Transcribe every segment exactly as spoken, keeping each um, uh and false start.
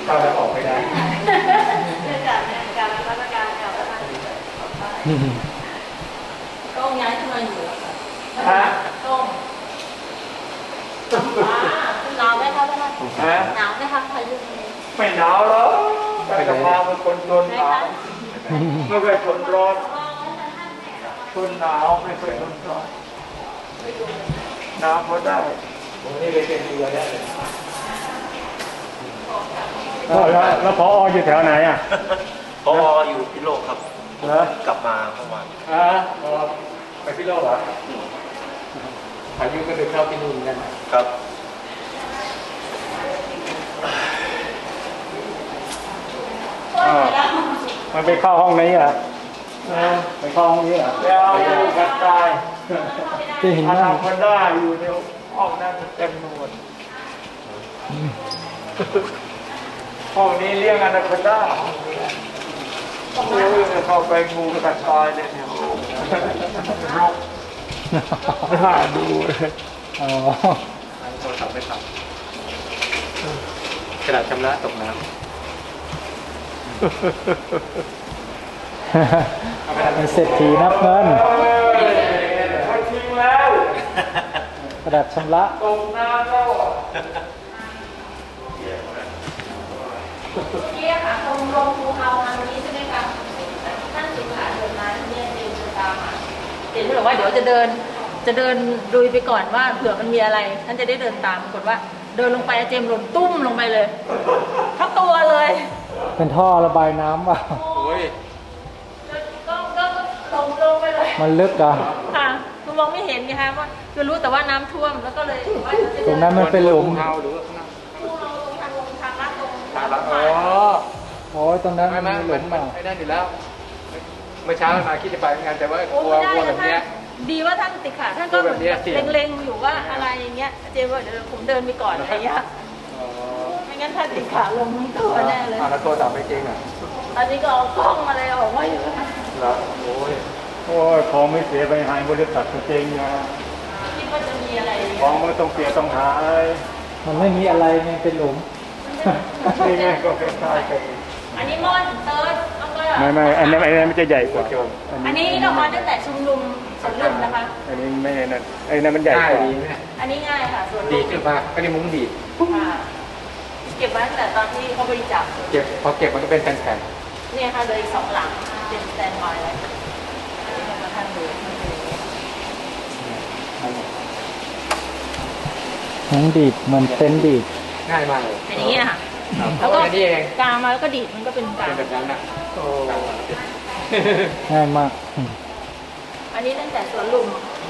เข้าแล้วออกไม่ได้เนื่องจากเนี่ยการรับราชการกับประธานต้องย้ายทำไมอยู่ฮะต้องหนาวไหมคะท่านหนาวไหมคะพายุไม่หนาวหรอกแต่กำลังเป็นคนทนหนาวไม่เคยทนร้อนทนหนาวไม่เคยทนร้อนหนาวพอได้ผมนี่เลยเป็นเรือได้เลยแล้วแล้วพออยู่แถวไหนอ่ะพออยู่พิโลกครับกลับมาเมื่อวานอ่าไปพิโลกเหรออายุก็เดินเข้าที่นู่นกันครับมันไปเข้าห้องนี้เหรอไปเข้าห้องนี้เหรอแล้วอยู่กันตายที่หินนั่งคนได้อยู่ในห้องนั้นเต็มหมดห้องนี้เลี้ยงอนาคอนด้าโอ้ยเข้าไปงูกัดตายเลยเนี่ยรกน่าดูเลยอ๋อโทรศัพท์ไม่ทำกระดาษชำระตกน้ำเป็นเศรษฐีนับเงินทิ้งแล้วกระดาษชำระตกน้ำแล้วเกี่ยค่ะตรงลงภูเขาทางนี้ใช่ไหมคะท่านสิขาเดินมาเนี่ยเดินตามมาเห็นบอกว่าเดี๋ยวจะเดินจะเดินดุยไปก่อนว่าเผื่อมันมีอะไรท่านจะได้เดินตามปรากฏว่าเดินลงไปเจมหล่นตุ้มลงไปเลยทั้งตัวเลยเป็นท่อระบายน้ำป่ะโอ้ยก็ก็ตรงลงไปเลยมันลึกอ่ะค่ะคือมองไม่เห็นไงคะว่าคือรู้แต่ว่าน้ำท่วมแล้วก็เลยว่าตรงนั้นมันเป็นหลุมเฮาหรือว่าทางลงทางลาดตรงทางลาดอ๋อโอ้ยตรงนั้นมันมีหลุมอ่ะไอ้นั่นอยู่แล้วเมื่อเช้ามาคิดจะไปงานแต่ว่ากลัวกลัวแบบนี้ดีว่าท่านติดขาท่านก็เล็งๆอยู่ว่าอะไรอย่างเงี้ยเจมว่าเดี๋ยวผมเดินไปก่อนอะไรเงี้ยไม่งั้นท่านติดขาลงทั้งตัวแน่เลยอ่าแล้วตัวจับไม่จริงอ่ะตอนนี้ก็เอากล้องมาเลยออกมาอยู่แล้วโอ้ยโอ้ยของไม่เสียไปหายบริษัทจริงนะคิดว่าจะมีอะไรของไม่ต้องเสียต้องหายมันไม่มีอะไรมันเป็นหลุมนี่ไงก็เป็นใช่กันอันนี้ม่อนเติร์ดไม่ไม่อันนั้นอันนั้นมันจะใหญ่กว่าอันนี้เรามาตั้งแต่ชุมนุมสวนลุมนะคะอันนี้ไม่นั่นไอ้นั่นมันใหญ่กว่าอันนี้ง่ายค่ะสวนลุมดีขึ้นมากอันนี้มุ้งดีเก็บไว้ตั้งแต่ตอนที่เขาบริจาคเก็บพอเก็บมันก็เป็นแผ่นๆเนี่ยค่ะเลยสองหลังเป็นแซนด์บายเลยอันนี้มาท่านดูทั้งดีดมันเต้นดีดง่ายมากเลยเป็นอย่างนี้ค่ะแล้วก็กามาแล้วก็ดีดมันก็เป็นกาเป็นแบบนั้นนะโอ้ง่ายมากอันนี้ตั้งแต่สวนลุม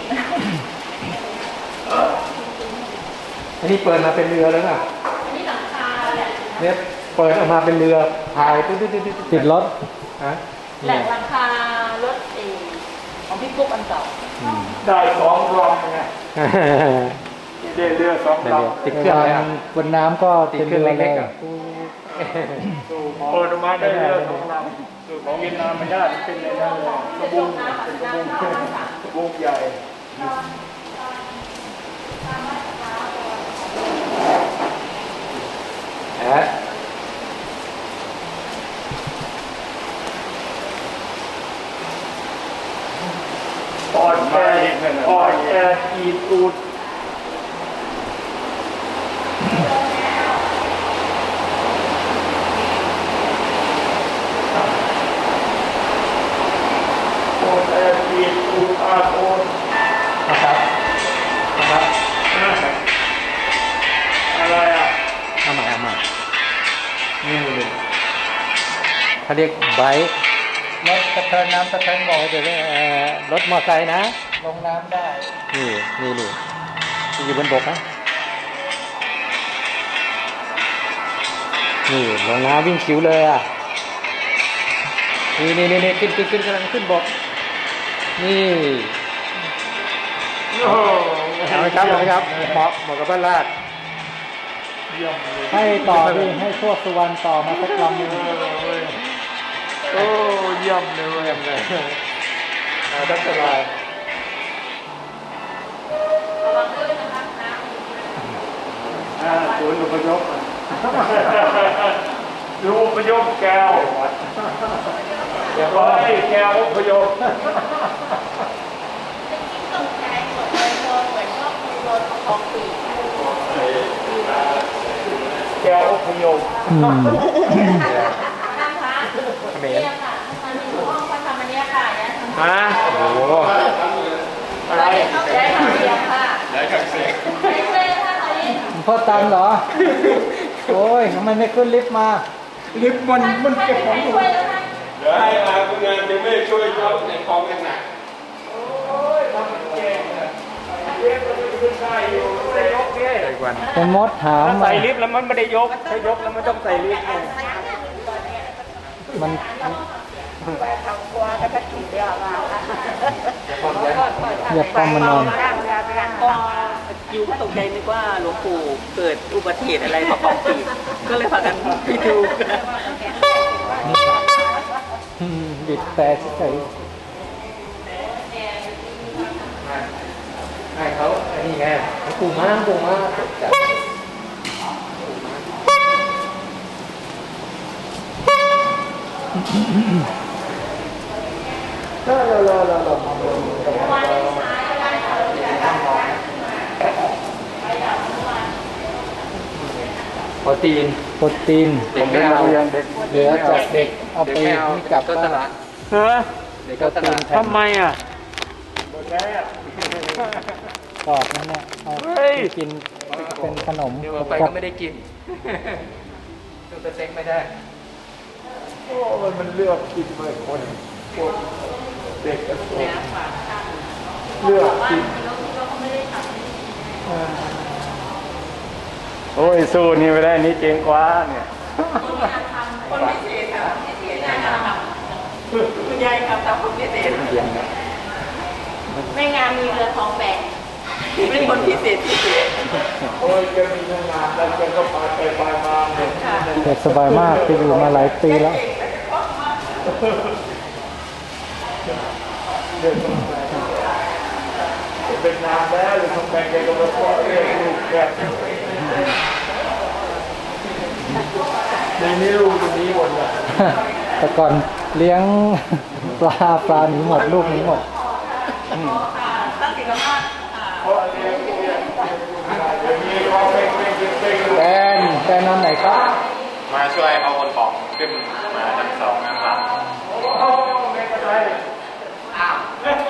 อันนี้เปิดมาเป็นเรือแล้วนะอันนี้หลังคาเนี่ยเปิดออกมาเป็นเรือพายติดติดติดติดรถฮะแหลกหลังคารถเอของพี่กุ๊กอันเก่าได้สองลำไงได้เรือสองลำติดเครื่องอะไรบนน้ำก็ติดเครื่องเล็กๆเปิดออกมาได้เรือสองลำคือของเวียดนามไม่ได้เป็นในนั้นเลยกระบุงเป็นกระบุงกระบุงใหญ่แอะปอดแอร์ปอดแอร์อีตูดปอดแอร์อีตูดอาโอนนะครับนะครับอะไรอ่ะเอาใหม่เอาใหม่นี่เลยเขาเรียกไบค์รถสะเทินน้ำสะเทินบอกเดี๋ยวรถมอเตอร์ไซค์นะลงน้ำได้นี่นี่นี่อยู่บนบกนะนี่ลงน้ำวิ่งคิวเลยอ่ะนี่นี่นี่ขึ้นขึ้นขึ้นกำลังขึ้นบกนี่เอาไหมครับเอาไหมครับเหมาะเหมาะกับบ้านลาดให้ต่อดิให้พวกสุวรรณต่อมาสักลำนึงโอ้เยี่ยมเลยเยี่ยมเลยดับสบายระวังด้วยนะคะน้ำศูนย์อพยพดูพยพแก้วเดี๋ยวก็ให้แก้วพยพแก้วพยพอืมท่านคะเนี่ยค่ะท่านอยู่ห้องพระธรรมเนี่ยค่ะเนี่ยฮะโอ้โหอะไรได้ทำเสียงค่ะได้ทำเสียงได้ช่วยค่ะตอนนี้พ่อตันเหรอ โอ้ยทำไมไม่ขึ้นลิฟต์มาลิฟต์มันมันเก็บของอยู่ช่วยแล้วค่ะเดี๋ยวให้อาคุณงานจะไม่ช่วยยกในกองหนักโอ้ยทำมันเก่งอะลิฟต์มันขึ้นได้อยู่ไม่ได้ยกเนี่ยเป็นมดถามถ้ามาใส่ลิฟต์แล้วมันไม่ได้ยกถ้ายกแล้วมันต้องใส่ลิฟต์ไงมันอย่าป้อมมันนอนก็ยูก็ตกใจนึกว่าหลวงปู่เกิดอุบัติเหตุอะไรมาของปีก็เลยพากันไปดูอืมบิดแต่เฉยให้เขาอันนี้ไงปูม้าปูม้าจัดรอรอรอรอรอโปรตีนโปรตีนเด็กไม่เอาเหลือจากเด็กเอาไปนี่กลับก็ตบ้านลาดฮะเด็กก็ตลาดทำไมอ่ะหมดแล้วกรอบนั่นแหละเอาเฮ้ยไปกินเป็นขนมเดี๋ยวเอาไปกัก็ไม่ได้กินตัวเต็งไม่ได้โอ้ยมันเลือกกินเลยคนพวกเด็กกระโดดเลือกกินเออโอ้ยสู้นี่ไม่ได้นี่เก่งกว่าเนี่ยคนพิเศษค่ะคุณยายครับทำคนพิเศษไม่งานมีเรือทองแบกเป็นคนพิเศษพิเศษโอ้ยแกมีเงินงานแล้วแกก็ไปไปไปมาเนี่ยเด็กสบายมากที่อยู่มาหลายปีแล้วเด็กเป็นนานแล้วหรือทำไมแกก็มาพ่อเรียกลูกแกในนี้ลูกตรงนี้หมดเลยแต่ก่อนเลี้ยงปลาปลาหนีหมดลูกหนีหมดตั้งแต่กำลังเพราะเลี้ยงเลี้ยงอย่างนี้เขาเป็นเป็นเป็นแดนแดนนอนไหนครับมาช่วยเอาคนของขึ้นมาชั้นสองนะครับโอ้ไม่เป็นไรอ้าว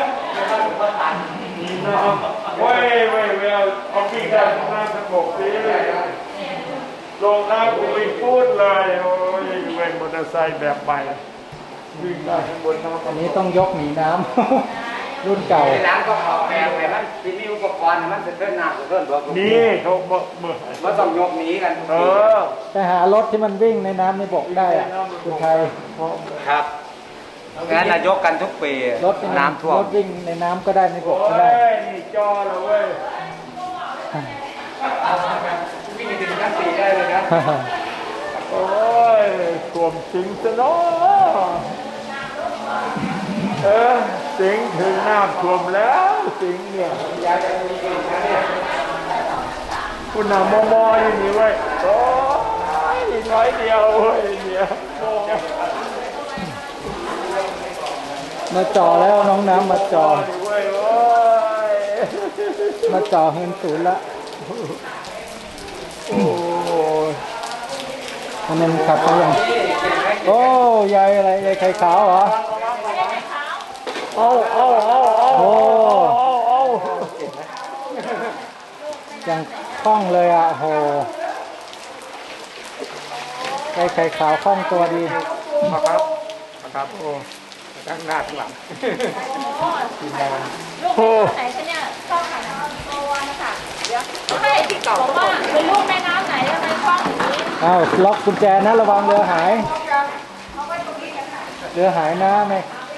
นี่น้องเว้ยเว้ยเว้ยเอาวิ่งได้ข้างหน้าสงบสิลงน้ำกูไม่พูดเลยโอ้ยเว้ยมอเตอร์ไซค์แบบใหม่วิ่งได้ข้างบนน้ำอันนี้ต้องยกหนีน้ำ รุ่นเก่าน้ำก็ขอแพงไปมันที่มีอุปกรณ์มันจะเพิ่มน้ำจะเพิ่มตัวนี่เขาบอกเมื่อว่าต้องยกหนีกันเออไปหารถที่มันวิ่งในน้ำในบกได้อะคุณไทยครับงั้นนายกกันทุกปีรถในน้ำท่วมรถวิ่งในน้ำก็ได้ในบโอ้กก็ได้ยนี่จอเลยเว้ยวิ่งถึงชั้นสี่ได้เลยนะโอ้ยสวมสิงซะเนาะเออสิงถึงน้ำท่วมแล้วสิงเนี่ยคุณนำมอมออยู่นี่เว้ยโอ้ยน้อยเดียวเว้ยเนี่ยโอ้ยมาจ่อแล้วน้องน้ำมาจ่อเว้ยโอ้ยมาจ่อเงินศูนย์ละโอ้ยอันนั้นขับไปยังโอ้ยายอะไรยายไข่ขาวเหรอเอาเอาเอาเอาโอ้เอาเอายังคล่องเลยอ่ะโหยายไข่ขาวคล่องตัวดีครับครับโอ้ตั้งหน้าข้างหลังลูกแม่น้ำไหนคะเนี่ยช่องไหนโอวันค่ะเดี๋ยวให้บอกว่าเป็นลูกแม่น้ำไหนทำไมช่องอย่างนี้อ้าวล็อกกุญแจนะระวังเรือหายเรือหายนะแม่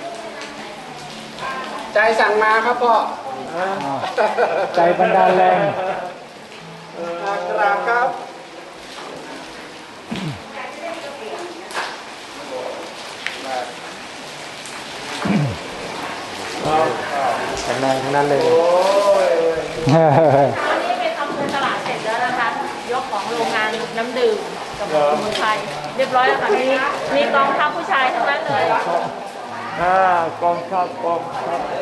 ใจสั่งมาครับพ่ออ้าวใจบันดาลแรงกราบครับแข็งแรงทั้งนั้นเลยโอ้ยตอนนี้ไปทำบุญตลาดเสร็จแล้วนะคะ ยกของโรงงานน้ำดื่มกับสมุนไพรเรียบร้อยแล้วค่ะมีมีกองทัพผู้ชายทั้งนั้นเลยอ่ากองทัพกองทัพ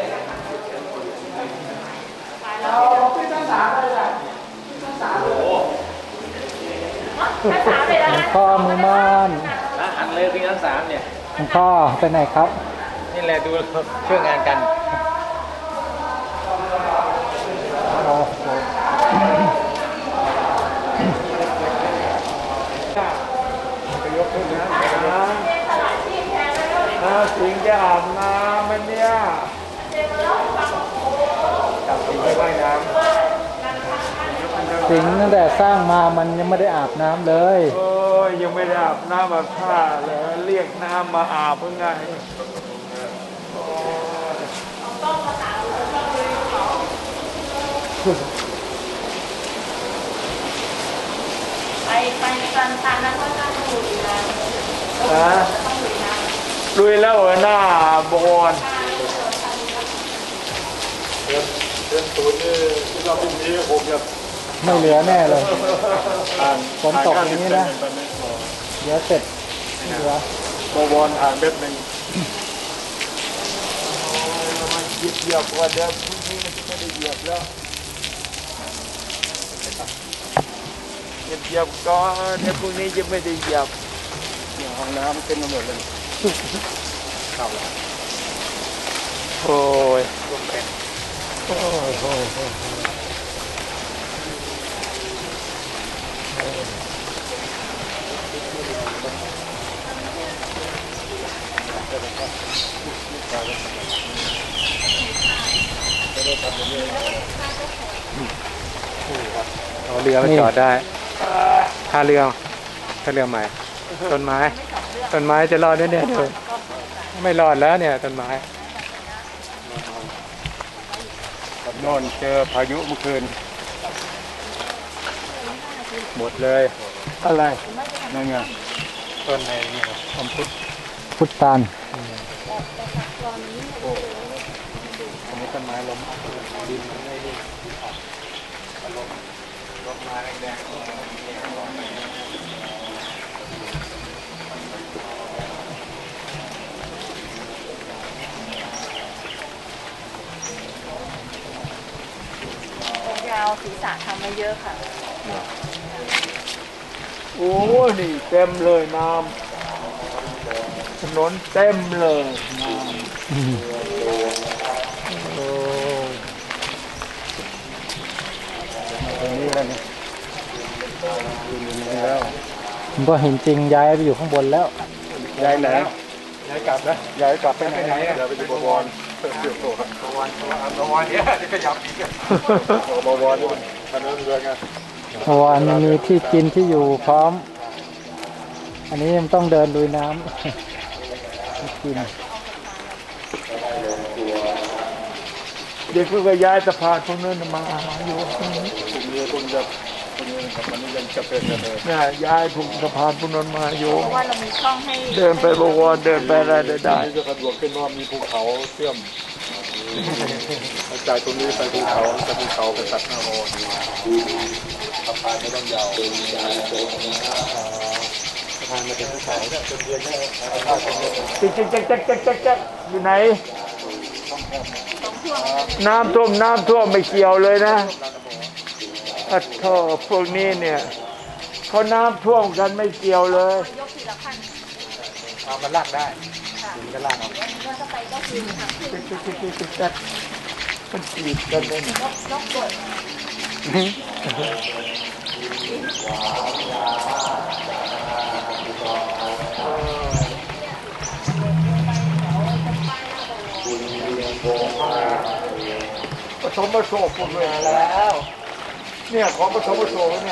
ภาษาเลยนะหลวงพ่อมือม่านหันเลยพี่ทั้งสามเนี่ยหลวงพ่อไปไหนครับนี่แหละดูช่วยงานกันโอ้โหไปยกขึ้นนะนะนะสิงจะอาบน้ำมันเนี่ยจับสิงไปว่ายน้ำสิงห์ตั้งแต่สร้างมามันยังไม่ได้อาบน้ำเลยโอ้ยยังไม่ได้อาบน้ำอาบท่าเลยเรียกน้ำมาอาบเพื่อไงโอ้ยไปไปกันตามนั้นก็ต้องลุยนะฮะต้องลุยนะลุยแล้วเหรอหน้าบอลเดือนเดือนศูนย์นี่ที่เราพรุ่งนี้ผมจะไม่เหลือแน่เลยอ่านฝนตกอย่างนี้นะ เดี๋ยวเสร็จไม่เหลือโบวอนอ่านเม็ดหนึ่งมันเหยียบเหยียบกว่าเดิมพรุ่งนี้มันจะไม่ได้เหยียบแล้วเหยียบเหยียบก่อนเดี๋ยวพรุ่งนี้จะไม่ได้เหยียบห้องน้ำขึ้นมาหมดเลยเข้าแล้วโอ้ยร่วมเป็นโอ้ยโอ้ยโอ้ยเอาเรือมาจอดได้ท่าเรือท่าเรือใหม่ ต้นไม้ ต้นไม้จะรอดด้วยเนี่ยเดี๋ยวไม่รอดแล้วเนี่ยต้นไม้โน่นเจอพายุเมื่อคืน หมดเลยอะไรนั่นไงต้นในนี่อมพุทธพุทธานอันนี้ต้นไม้ล้มดินมันไม่ได้ล้มล้มมาแดงยาวศีรษะทำมาเยอะค่ะโอ้ยนี่เต็มเลยน้ำถนนเต็มเลยน้ำโอ้ยตรงนี้แล้วนี่อยู่ในนี้แล้วผมก็เห็นจริงย้ายไปอยู่ข้างบนแล้วย้ายไหนย้ายกลับนะย้ายกลับไปไหนเดี๋ยวไปดูบวรเพิ่มเติมโตครับบวรบวรเนี่ยจะขยับอีกบวรด้วยถนนเรือไงเพราะว่ามันมีที่กินที่อยู่พร้อม อันนี้มันต้องเดินลุยน้ำ ที่กินเด็กเพิ่งก็ย้ายสะพานพวกนั้นมาอยู่ตรงนี้กลุ่มเรือคงจะคงกับมันยังจะเป็นเลยเนี่ยย้ายถูกสะพานพวกนั้นมาอยู่เพราะว่าเรามีช่องให้เดินไปบวรเดินไปอะไรได้ได้นี่จะสะดวกขึ้นว่ามีภูเขาเชื่อมจากตรงนี้ไปภูเขาจะภูเขาไปตัดหน้าโอนสะพานไม่ต้องยาวสะพานมาถึงภูเขาเนี่ยจนเรียนแค่สะพานเป็นเรื่องจิ๊กจิ๊กจิ๊กจิ๊กจิ๊กจิ๊กจิ๊กอยู่ไหน น้ำท่วมน้ำท่วมไม่เกี่ยวเลยนะอัดท่อพวกนี้เนี่ยเขาน้ำท่วมกันไม่เกี่ยวเลยยกทีละขั้นเอามันลากได้ถึงจะลากเอาเดี๋ยวเราจะไปก็คือทางขึ้นจิ๊กจิ๊กจิ๊กจิ๊กจิ๊กมันจีบกันเลยเนี่ยยกยกกดผสมผสมหมดเลยแล้วเนี่ยของผสมผสมเนี่ย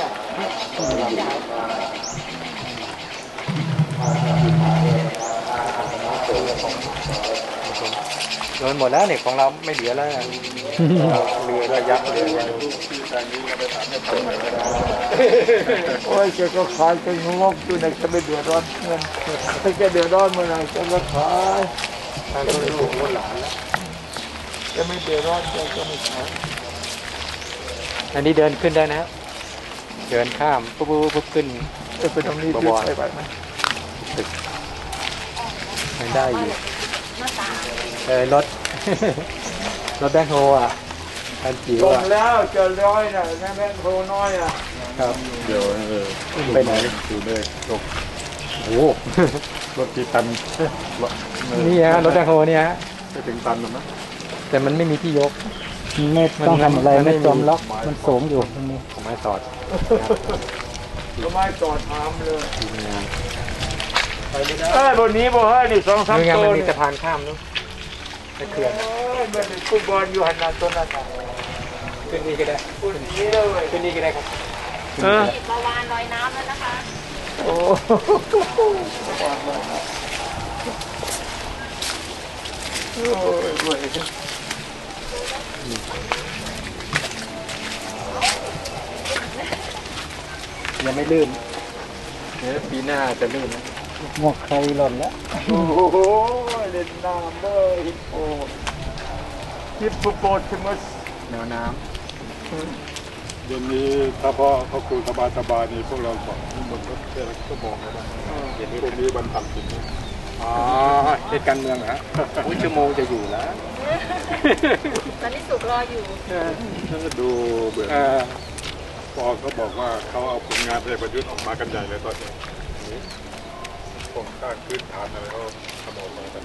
โดนหมดแล้วเนี่ยของเราไม่เหลือแล้วเรือระยักษ์เรือที่ทางนี้ก็ไปถามให้ผมหน่อยก็ได้โอ้ยแกก็ขายแกงกอยู่ในจะไม่เดือดร้อนเงินถ้าแกเดือดร้อนเมื่อไหร่แกก็ขายทางคนลูกคนหลานแล้วแกไม่เดือดร้อนแกก็ไม่ขายอันนี้เดินขึ้นได้นะเดินข้ามปุ๊บปุ๊บปุ๊บขึ้นจะไปตรงนี้บที่วรไปไปไหมตึกไม่ได้อยู่หน้าตาเออรถ รถแบ็คโฮอ่ะคันจิ๋วตรงอ่ะแล้วเจอร้อยน่ะแม่แม่โทน้อยอ่ะครับเดี๋ยวเออไปไหนดูเลยลงโอ้รถกี่ตันรถนี่ฮะรถแบ็คโฮเนี่ยฮะไม่ถึงตันหรอกนะแต่มันไม่มีที่ยกไม่ต้องทำอะไรไม่จมล็อกมันสูงอยู่ตรงนี้ของไม้สอดก็ไม่จอดถามเลยทีมงานเอ้ยบนนี้บ่เฮ้ยนี่สองสามนี่ไงตัมันวมีนี่สะพานข้ามนู้นไปเขื่อนโอ้ยมันเป็นฟุตบอลอยู่หันหน้าตัวนั้นน่ะขึ้นนี่ก็ได้คนนี้เลยขึ้นนี่ก็ได้ครับเออติดมาวานลอยน้ำแล้วนะคะโอ้โอ้ยเว้ยยังไม่ลื่นเดี๋ยวปีหน้าจะลื่นนะหมวกใครหล่นแล้วโอ้โหเล่นน้ำเลยฮิปโปฮิปโปโปเทมัสแนวน้เดี๋ยวนี้ถ้าพ่อเขาคุยสบายสบายๆนี่พวกเราบอกนี่มันก็แค่ชั่วโมงแล้วนะเดี๋ยวนี้พวกนี้บรรทัดจริงำอ๋อเหตุการเมืองเหรอฮะอุ้ยชั่วโมงจะอยู่แล้วตอนนี้สุกรออยู่ถ้าดูเบื่อเออพอเขาบอกว่าเขาเอาผลงานพลเอกประยุทธ์ออกมากันใหญ่เลยตอนนี้โครงสร้างพื้นฐานอะไรเขาทำออกมากัน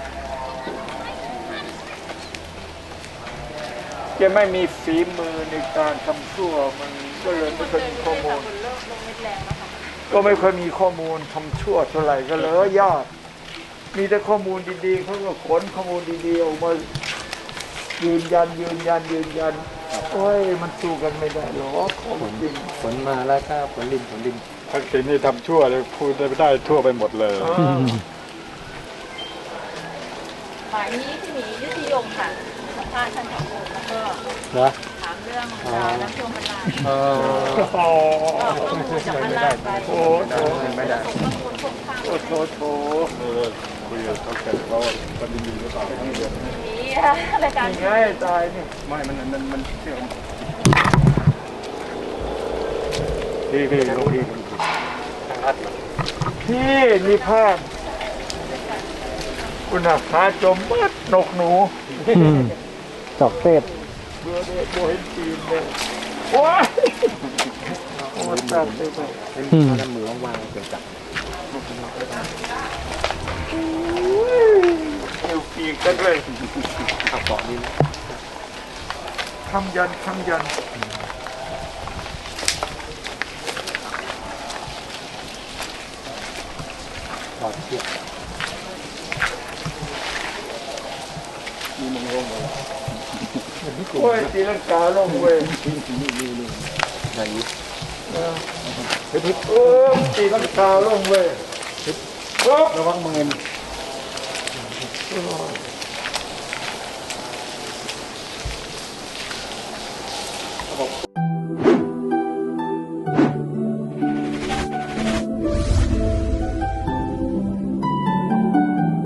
จะไม่มีฝีมือในการทำชั่วมันก็เลยไม่ค่อยมีข้อมูลเริ่มลงเม็ดแรงแล้วค่ะก็ไม่ค่อยมีข้อมูลทำชั่วเท่าไหร่ก็เลยยากมีแต่ข้อมูลดีๆเขาก็ขนข้อมูลดีๆออกมายืนยันยืนยันยืนยันโอ้ยมันสู้กันไม่ได้หรอกของจริงฝนมาแล้วก็ฝนริมฝนริมทักษิณนี่ทำชั่วเลยพูดได้ได้ทั่วไปหมดเลยเออฝ่ายนี้ที่มียุทธิยงค่ะสัมภาษณ์ท่านผอแล้วก็เหรอถามเรื่องราวน้ำท่วมมันลายเออโอ้ก็ข้อมูลจากมันลายไปโหโถไม่ได้ส่งข้อมูลค่อนข้างโอ้โถโถเออคุยกับเขาแก่เขาปฏิบัติหรือเปล่านี้รายการนี่ไงตายนี่ไม่มันมันมันเชื่อมพี่พี่ลงพี่ทางลัดเหรอพี่มีภาพคุณอาขาจมมัดนกหนูจอกเต้เบื่อเลยโบเห็นจีนเลยโอ้ยโอ้ยตัดเลยไปเป็นน้ำมือว่างๆเกิดจากเอวปีกกันเลยขับเกาะนี่นะคำยันคำยันเกาะเชือกโอ้ยตีลังกาลงเว้ยไหนเออเออตีลังกาลงเว้ยระวังมือ